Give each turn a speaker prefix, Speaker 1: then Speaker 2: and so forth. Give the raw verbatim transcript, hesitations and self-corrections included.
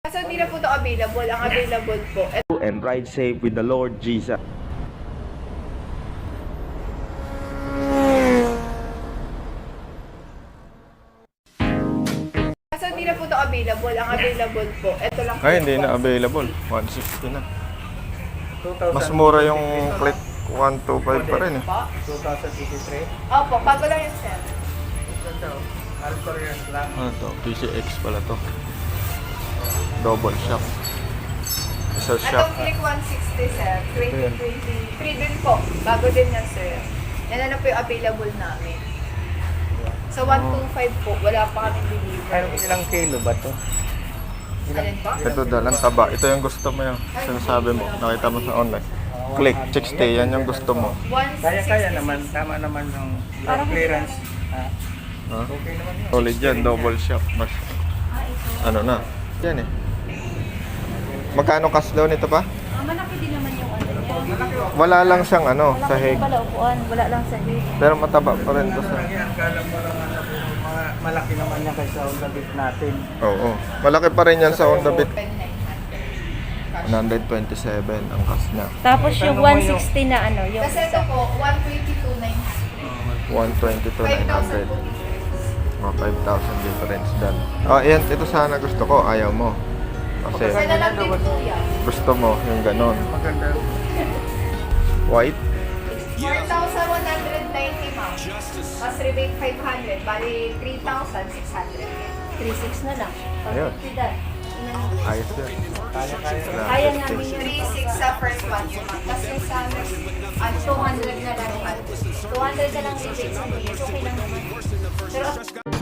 Speaker 1: So hindi na po ito available. Ang available po.
Speaker 2: And ride safe with the Lord Jesus.
Speaker 1: So hindi na po ito available. Ang available po. Ito lang po.
Speaker 3: Ay, hindi na available. one sixty na. Mas mura yung click one twenty-five pa rin eh.
Speaker 4: twenty twenty-three.
Speaker 1: Opo, bago lang yun, sir.
Speaker 4: Ganda oh. Alcorian lang.
Speaker 3: Ano to? P C X pala to. Double shock. Isa shock.
Speaker 1: Atong click one sixty, sir. twenty twenty-three din po. Bago din yan, sir. Yan na, na po yung available namin. So one twenty-five po. Wala pa kami deliver.
Speaker 4: Ano ilang kilo ba to?
Speaker 1: Alin po?
Speaker 3: Ito dalang taba. Ito yung gusto mo yung sinasabi mo. Nakita mo sa online. Click, sixty. Yan yung gusto mo.
Speaker 4: Kaya-kaya naman. Tama naman yung yung clearance. Ah,
Speaker 3: Ha?
Speaker 4: okay naman yun.
Speaker 3: Solid yan. Double shock. Mas, ano na. Yan eh. Magkano cash loan ito pa?
Speaker 5: Ah, malaki din naman yung ano niya.
Speaker 3: Wala lang siyang ano,
Speaker 5: Malaki
Speaker 3: sahig.
Speaker 5: din pala upuan, wala lang sahig.
Speaker 3: Pero mataba pa rin to sa...
Speaker 4: Yan, kala mo lang ano, mga malaki naman yan kaysa Honda Beat natin.
Speaker 3: Oo. Malaki pa rin yan sa Honda Beat.
Speaker 1: Open nine hundred.
Speaker 3: one twenty-seven ang cash niya.
Speaker 5: Tapos yung one sixty na ano, yung
Speaker 1: Kasi ito po, one twenty-two nine
Speaker 3: one twenty-two
Speaker 1: five
Speaker 3: nine
Speaker 1: thousand
Speaker 3: hundred.
Speaker 1: po difference.
Speaker 3: Oh, five thousand difference dyan. Oh, yan. Ito sana gusto ko. Ayaw mo. Kasi
Speaker 1: Kasi na lang din po yan.
Speaker 3: gusto mo yung ganon.
Speaker 4: Maganda.
Speaker 3: White.
Speaker 1: four thousand one hundred ninety, ma'am. Mas rebate five hundred. Bali, three thousand six hundred.
Speaker 5: three six na lang.
Speaker 3: Ayun.
Speaker 5: Pagkakita.
Speaker 3: Ayos yan.
Speaker 4: Kaya-kaya.
Speaker 5: Kaya namin yun.
Speaker 1: three six sa first one po, ma'am. Kasi sa next, ah, two hundred na lang naman.
Speaker 5: two hundred na lang rebate sa days. Okay lang naman. Pero